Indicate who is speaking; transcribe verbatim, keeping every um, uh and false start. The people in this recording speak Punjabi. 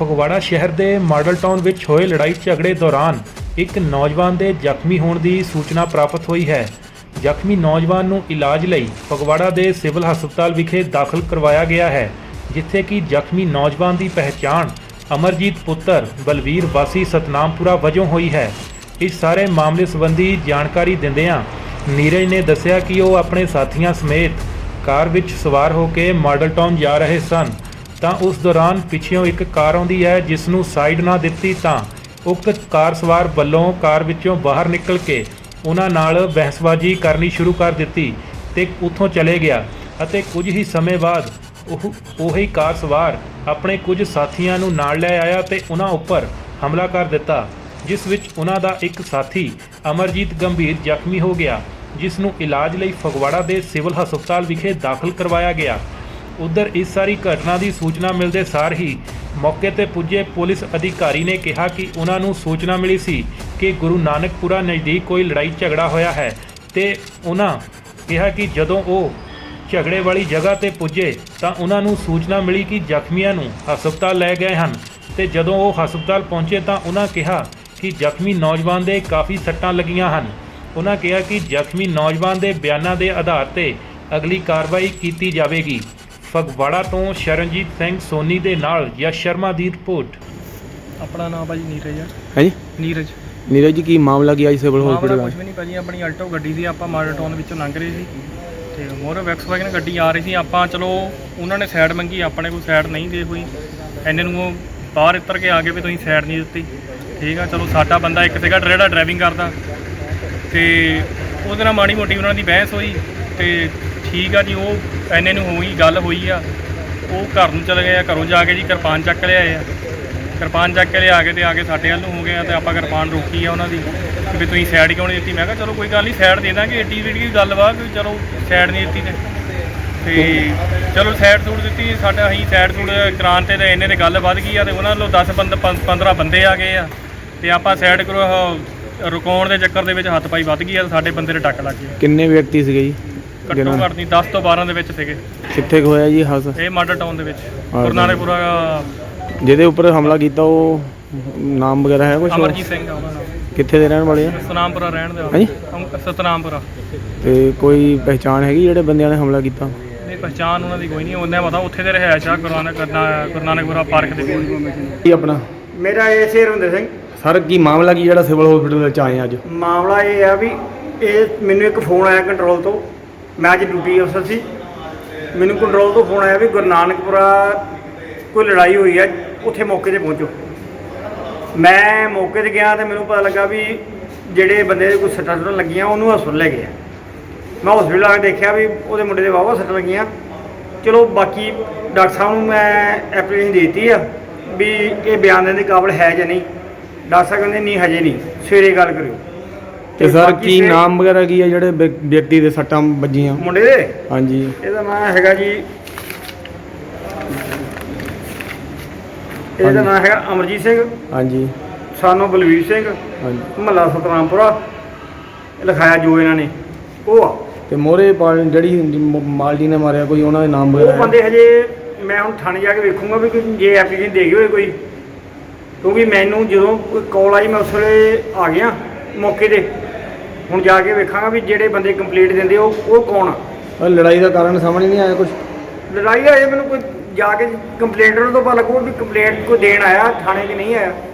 Speaker 1: ਫਗਵਾੜਾ ਸ਼ਹਿਰ ਦੇ ਮਾਡਲ ਟਾਊਨ ਵਿੱਚ ਹੋਏ ਲੜਾਈ ਝਗੜੇ ਦੌਰਾਨ ਇੱਕ ਨੌਜਵਾਨ ਦੇ ਜ਼ਖਮੀ ਹੋਣ ਦੀ ਸੂਚਨਾ ਪ੍ਰਾਪਤ ਹੋਈ ਹੈ। ਜ਼ਖਮੀ ਨੌਜਵਾਨ ਨੂੰ ਇਲਾਜ ਲਈ ਫਗਵਾੜਾ ਦੇ ਸਿਵਲ ਹਸਪਤਾਲ ਵਿਖੇ ਦਾਖਲ ਕਰਵਾਇਆ ਗਿਆ ਹੈ, ਜਿੱਥੇ ਕਿ ਜ਼ਖਮੀ ਨੌਜਵਾਨ ਦੀ ਪਹਿਚਾਣ ਅਮਰਜੀਤ ਪੁੱਤਰ ਬਲਵੀਰ ਵਾਸੀ ਸਤਨਾਮਪੁਰਾ ਵਜੋਂ ਹੋਈ ਹੈ। ਇਸ ਸਾਰੇ ਮਾਮਲੇ ਸੰਬੰਧੀ ਜਾਣਕਾਰੀ ਦਿੰਦਿਆਂ ਨੀਰਜ ਨੇ ਦੱਸਿਆ ਕਿ ਉਹ ਆਪਣੇ ਸਾਥੀਆਂ ਸਮੇਤ ਕਾਰ ਵਿੱਚ ਸਵਾਰ ਹੋ ਕੇ ਮਾਡਲ ਟਾਊਨ ਜਾ ਰਹੇ ਸਨ ਤਾਂ ਉਸ ਦੌਰਾਨ ਪਿੱਛੋਂ ਇੱਕ ਕਾਰ ਆਉਂਦੀ ਹੈ, ਜਿਸ ਨੂੰ ਸਾਈਡ ਨਾ ਦਿੱਤੀ ਤਾਂ ਉਕਤ ਕਾਰ ਸਵਾਰ ਵੱਲੋਂ ਕਾਰ ਵਿੱਚੋਂ ਬਾਹਰ ਨਿਕਲ ਕੇ ਉਹਨਾਂ ਨਾਲ ਬਹਿਸਬਾਜ਼ੀ ਕਰਨੀ ਸ਼ੁਰੂ ਕਰ ਦਿੱਤੀ ਤੇ ਉੱਥੋਂ ਚਲੇ ਗਿਆ ਅਤੇ ਕੁਝ ਹੀ ਸਮੇਂ ਬਾਅਦ ਉਹ ਉਹੀ ਕਾਰ ਸਵਾਰ ਆਪਣੇ ਕੁਝ ਸਾਥੀਆਂ ਨੂੰ ਨਾਲ ਲੈ ਆਇਆ ਤੇ ਉਹਨਾਂ ਉੱਪਰ ਹਮਲਾ ਕਰ ਦਿੱਤਾ, ਜਿਸ ਵਿੱਚ ਉਹਨਾਂ ਦਾ ਇੱਕ ਸਾਥੀ ਅਮਰਜੀਤ ਗੰਭੀਰ ਜ਼ਖਮੀ ਹੋ ਗਿਆ, ਜਿਸ ਨੂੰ ਇਲਾਜ ਲਈ ਫਗਵਾੜਾ ਦੇ ਸਿਵਲ ਹਸਪਤਾਲ ਵਿਖੇ ਦਾਖਲ ਕਰਵਾਇਆ ਗਿਆ। ਉਧਰ ਇਸ ਸਾਰੀ ਘਟਨਾ ਦੀ ਸੂਚਨਾ ਮਿਲਦੇ ਸਾਰ ਹੀ ਮੌਕੇ ਤੇ ਪੁੱਜੇ ਪੁਲਿਸ ਅਧਿਕਾਰੀ ਨੇ ਕਿਹਾ ਕਿ ਉਹਨਾਂ ਨੂੰ ਸੂਚਨਾ ਮਿਲੀ ਸੀ ਕਿ ਗੁਰੂ ਨਾਨਕਪੁਰਾ ਨਜ਼ਦੀਕ ਕੋਈ ਲੜਾਈ ਝਗੜਾ ਹੋਇਆ ਹੈ ਤੇ ਉਹਨਾਂ ਕਿਹਾ ਕਿ ਜਦੋਂ ਉਹ ਝਗੜੇ ਵਾਲੀ ਜਗ੍ਹਾ ਤੇ ਪੁੱਜੇ ਤਾਂ ਉਹਨਾਂ ਨੂੰ ਸੂਚਨਾ ਮਿਲੀ ਕਿ ਜ਼ਖਮੀਆਂ ਨੂੰ ਹਸਪਤਾਲ ਲੈ ਗਏ ਹਨ ਤੇ ਜਦੋਂ ਉਹ ਹਸਪਤਾਲ ਪਹੁੰਚੇ ਤਾਂ ਉਹਨਾਂ ਕਿਹਾ ਕਿ ਜ਼ਖਮੀ ਨੌਜਵਾਨ ਦੇ ਕਾਫੀ ਸੱਟਾਂ ਲੱਗੀਆਂ ਹਨ। ਉਹਨਾਂ ਕਿਹਾ ਕਿ ਜ਼ਖਮੀ ਨੌਜਵਾਨ ਦੇ ਬਿਆਨਾਂ ਦੇ ਆਧਾਰ ਤੇ ਅਗਲੀ ਕਾਰਵਾਈ ਕੀਤੀ ਜਾਵੇਗੀ। ਫਗਵਾੜਾ ਤੋਂ ਸ਼ਰਨਜੀਤ ਸਿੰਘ ਸੋਨੀ ਦੇ ਨਾਲ ਯਸ਼ ਸ਼ਰਮਾ ਦੀ ਰਿਪੋਰਟ।
Speaker 2: ਆਪਣਾ ਨਾਮ ਭਾਜੀ ਨੀਰਜ ਹੈ।
Speaker 3: ਹਾਂਜੀ
Speaker 2: ਨੀਰਜ
Speaker 3: ਨੀਰਜ ਜੀ, ਕੀ ਮਾਮਲਾ ਕੀ ਅੱਜ ਸਿਵਲ ਹਸਪੀਟਲ
Speaker 2: ਕੁਝ ਵੀ ਨਹੀਂ ਭਾਜੀ, ਆਪਣੀ ਆਲਟੋ ਗੱਡੀ ਸੀ, ਆਪਾਂ ਮਾਡਲ ਟਾਊਨ ਵਿੱਚੋਂ ਲੰਘ ਰਹੇ ਸੀ ਤੇ ਮੋਰ ਵੈਕਸਵਾਗਨ ਗੱਡੀ ਆ ਰਹੀ ਸੀ। ਆਪਾਂ ਚਲੋ ਉਹਨਾਂ ਨੇ ਸਾਈਡ ਮੰਗੀ, ਆਪਣੇ ਕੋਈ ਸਾਈਡ ਨਹੀਂ ਦੇ ਹੋਈ, ਇੰਨੇ ਨੂੰ ਉਹ ਬਾਹਰ ਉੱਤਰ ਕੇ ਆ ਗਏ ਵੀ ਤੁਸੀਂ ਸਾਈਡ ਨਹੀਂ ਦਿੱਤੀ। ਠੀਕ ਆ, ਚਲੋ ਸਾਡਾ ਬੰਦਾ ਇੱਕ ਸੀਗਾ ਜਿਹੜਾ ਡਰਾਈਵਿੰਗ ਕਰਦਾ ਤੇ ਉਹਦੇ ਨਾਲ ਮਾੜੀ ਮੋਟੀ ਉਹਨਾਂ ਦੀ ਬਹਿਸ ਹੋਈ ਤੇ ਠੀਕ ਆ ਜੀ, ਉਹ ਇੰਨੇ ਨੂੰ ਹੋਈ ਗੱਲ ਹੋਈ ਆ, ਉਹ ਘਰ ਨੂੰ ਚਲੇ ਗਏ ਆ। ਘਰੋਂ ਜਾ ਕੇ ਜੀ ਕਿਰਪਾਨ ਚੱਕ ਲਿਆਏ ਆ, ਕਿਰਪਾਨ ਚੱਕ ਕੇ ਲਿਆ ਕੇ ਤੇ ਆ ਕੇ ਸਾਡੇ ਵੱਲ ਨੂੰ ਹੋ ਗਏ ਆ ਤੇ ਆਪਾਂ ਕਿਰਪਾਨ ਰੋਕੀ ਆ ਉਹਨਾਂ ਦੀ ਕਿ ਵੀ ਤੁਸੀਂ ਸਾਈਡ ਕਿਉਂ ਨਹੀਂ ਦਿੱਤੀ। ਮੈਂ ਕਿਹਾ ਚਲੋ ਕੋਈ ਗੱਲ ਨਹੀਂ, ਸਾਈਡ ਦੇ ਦਾਂਗੇ, ਏਡੀ ਜਿਹੜੀ ਗੱਲ ਵਾ ਕਿ ਚਲੋ ਸਾਈਡ ਨਹੀਂ ਦਿੱਤੀ ਤੇ ਚਲੋ ਸਾਈਡ ਸੂਟ ਦਿੱਤੀ। ਸਾਡਾ ਅਸੀਂ ਸਾਈਡ ਸੂਟ ਕਰਾਉਣ ਤੇ ਇੰਨੇ ਤੇ ਗੱਲ ਵੱਧ ਗਈ ਆ ਤੇ ਉਹਨਾਂ ਵੱਲੋਂ ਦਸ ਬੰਦ ਪੰਦਰਾਂ ਬੰਦੇ ਆ ਗਏ ਆ ਤੇ ਆਪਾਂ ਸਾਈਡ ਕਰੋ ਰੁਕਾਉਣ ਦੇ ਚੱਕਰ ਦੇ ਵਿੱਚ ਹੱਥ ਪਾਈ ਵੱਧ ਗਈ ਆ, ਸਾਡੇ ਬੰਦੇ ਦੇ ਟੱਕ ਲੱਗ ਗਿਆ।
Speaker 3: ਕਿੰਨੇ ਵਿਅਕਤੀ ਸੀਗੇ ਜੀ?
Speaker 2: ਘੱਟੋ ਘੱਟ ਨਹੀਂ ਦਸ ਤੋਂ ਬਾਰਾਂ ਦੇ ਵਿੱਚ ਸੀਗੇ।
Speaker 3: ਕਿੱਥੇ ਕੁ ਹੋਇਆ ਜੀ ਹਾਦਸਾ?
Speaker 2: ਇਹ ਮਾਡਲ ਟਾਊਨ ਦੇ ਵਿੱਚ ਗੁਰੂ ਨਾਨਕਪੁਰਾ।
Speaker 3: ਜਿਹਦੇ ਉੱਪਰ ਹਮਲਾ ਕੀਤਾ ਉਹ ਨਾਮ ਵਗੈਰਾ ਹੈ ਕੁਝ?
Speaker 2: ਅਮਰਜੀਤ ਸਿੰਘ ਆ ਉਹਦਾ ਨਾਮ।
Speaker 3: ਕਿੱਥੇ ਦੇ ਰਹਿਣ ਵਾਲੇ ਆ?
Speaker 2: ਸਤਨਾਮਪੁਰਾ ਰਹਿਣ ਦੇ।
Speaker 3: ਹਾਂਜੀ,
Speaker 2: ਸਤਨਾਮਪੁਰਾ।
Speaker 3: ਤੇ ਕੋਈ ਪਹਿਚਾਣ ਹੈਗੀ ਜਿਹੜੇ ਬੰਦਿਆਂ ਨੇ ਹਮਲਾ ਕੀਤਾ?
Speaker 2: ਨਹੀਂ, ਪਹਿਚਾਣ ਉਹਨਾਂ ਦੀ ਕੋਈ ਨਹੀਂ, ਉਹਨਾਂ ਪਤਾ ਉੱਥੇ ਦੇ ਰਿਹਾਇਸ਼ ਆ ਗੁਰੂ ਨਾਨਕ ਗੁਰੂ ਨਾਨਕਪੁਰਾ ਪਾਰਕ ਦੇ ਕੋਲ।
Speaker 3: ਕੀ ਆਪਣਾ?
Speaker 4: ਮੇਰਾ ਇਹ ਸ਼ੇਰਵਿੰਦਰ ਸਿੰਘ।
Speaker 3: ਸਰ, ਕੀ ਮਾਮਲਾ ਕੀ ਜਿਹੜਾ ਸਿਵਲ ਹਸਪੀਟਲ ਵਿੱਚ ਆਏ ਅੱਜ?
Speaker 4: ਮਾਮਲਾ ਇਹ ਆ ਵੀ ਇਹ ਮੈਨੂੰ ਇੱਕ ਫੋਨ ਆਇਆ ਕੰਟਰੋਲ ਤੋਂ। ਮੈਂ ਅੱਜ ਡਿਊਟੀ ਅਫਸਰ ਸੀ, ਮੈਨੂੰ ਕੰਟਰੋਲ ਤੋਂ ਫੋਨ ਆਇਆ ਵੀ ਗੁਰੂ ਨਾਨਕਪੁਰਾ ਕੋਈ ਲੜਾਈ ਹੋਈ ਹੈ, ਉੱਥੇ ਮੌਕੇ 'ਤੇ ਪਹੁੰਚੋ। ਮੈਂ ਮੌਕੇ 'ਤੇ ਗਿਆ ਤੇ ਮੈਨੂੰ ਪਤਾ ਲੱਗਾ ਵੀ ਜਿਹੜੇ ਬੰਦੇ ਦੇ ਕੋਈ ਸੱਟਾਂ ਸੁੱਟਾਂ ਲੱਗੀਆਂ ਉਹਨੂੰ ਹਸਪਤਾਲ ਲੈ ਗਏ ਆ। ਮੈਂ ਹਸਪਤਾਲ ਆ ਕੇ ਦੇਖਿਆ ਵੀ ਉਹਦੇ ਮੁੰਡੇ ਦੇ ਵਾਹਵਾ ਸੱਟਾਂ ਲੱਗੀਆਂ। ਚਲੋ ਬਾਕੀ ਡਾਕਟਰ ਸਾਹਿਬ ਨੂੰ ਮੈਂ ਐਪਲੀਕੇਸ਼ਨ ਦੇ ਦਿੱਤੀ ਆ ਵੀ ਇਹ ਬਿਆਨ ਦੇਣ ਦੇ ਕਾਬਲ ਹੈ ਜਾਂ ਨਹੀਂ। ਡਾਕਟਰ ਸਾਹਿਬ ਕਹਿੰਦੇ ਨਹੀਂ, ਹਜੇ ਨਹੀਂ, ਸਵੇਰੇ ਗੱਲ ਕਰਿਓ।
Speaker 3: ਤੇ ਸਰ, ਕੀ ਨਾਮ ਵਗੈਰਾ ਕੀ ਆ ਜਿਹੜੇ ਵਿਅਕਤੀ ਦੇ ਸੱਟਾਂ ਵੱਜੀਆਂ
Speaker 4: ਮੁੰਡੇ ਦੇ?
Speaker 3: ਹਾਂਜੀ,
Speaker 4: ਇਹਦਾ ਨਾਮ ਹੈਗਾ ਜੀ, ਇਹਦਾ ਨਾਮ ਹੈਗਾ ਅਮਰਜੀਤ ਸਿੰਘ।
Speaker 3: ਹਾਂਜੀ,
Speaker 4: ਸਾਨੂੰ ਬਲਵੀਰ ਸਿੰਘ,
Speaker 3: ਹਾਂਜੀ।
Speaker 4: ਮਹੱਲਾ ਸਤਨਾਮਪੁਰਾ ਲਿਖਾਇਆ ਜੋ ਇਹਨਾਂ ਨੇ ਉਹ ਆ।
Speaker 3: ਤੇ ਮੋਰੇ ਜਿਹੜੀ ਮਾਲਜੀ ਨੇ ਮਾਰਿਆ ਕੋਈ ਉਹਨਾਂ ਦੇ ਨਾਮ
Speaker 4: ਉਹ
Speaker 3: ਵਗੈਰਾ?
Speaker 4: ਬੰਦੇ ਹਜੇ ਮੈਂ ਹੁਣ ਥਾਣੇ ਜਾ ਕੇ ਵੇਖੂੰਗਾ ਵੀ ਕੋਈ ਜੇ ਐਪਲੀਕੇਸ਼ਨ ਦੇ ਗਏ ਹੋਏ ਕੋਈ, ਕਿਉਂਕਿ ਮੈਨੂੰ ਜਦੋਂ ਕੋਈ ਕਾਲ ਆਈ ਮੈਂ ਉਸ ਵੇਲੇ ਆ ਗਿਆ ਮੌਕੇ 'ਤੇ। ਹੁਣ ਜਾ ਕੇ ਵੇਖਾਂਗਾ ਵੀ ਜਿਹੜੇ ਬੰਦੇ ਕੰਪਲੀਟ ਦਿੰਦੇ ਉਹ ਉਹ ਕੌਣ ਆ।
Speaker 3: ਲੜਾਈ ਦਾ ਕਾਰਨ ਸਾਹਮਣੇ ਨਹੀਂ ਆਇਆ ਕੁਝ?
Speaker 4: ਲੜਾਈ ਦਾ ਇਹ ਮੈਨੂੰ ਕੋਈ ਜਾ ਕੇ ਕੰਪਲੇਂਟ ਤੋਂ ਪਤਾ ਲੱਗੂ ਵੀ ਕੰਪਲੇਂਟ ਕੋਈ ਦੇਣ ਆਇਆ, ਥਾਣੇ 'ਚ ਨਹੀਂ ਆਇਆ।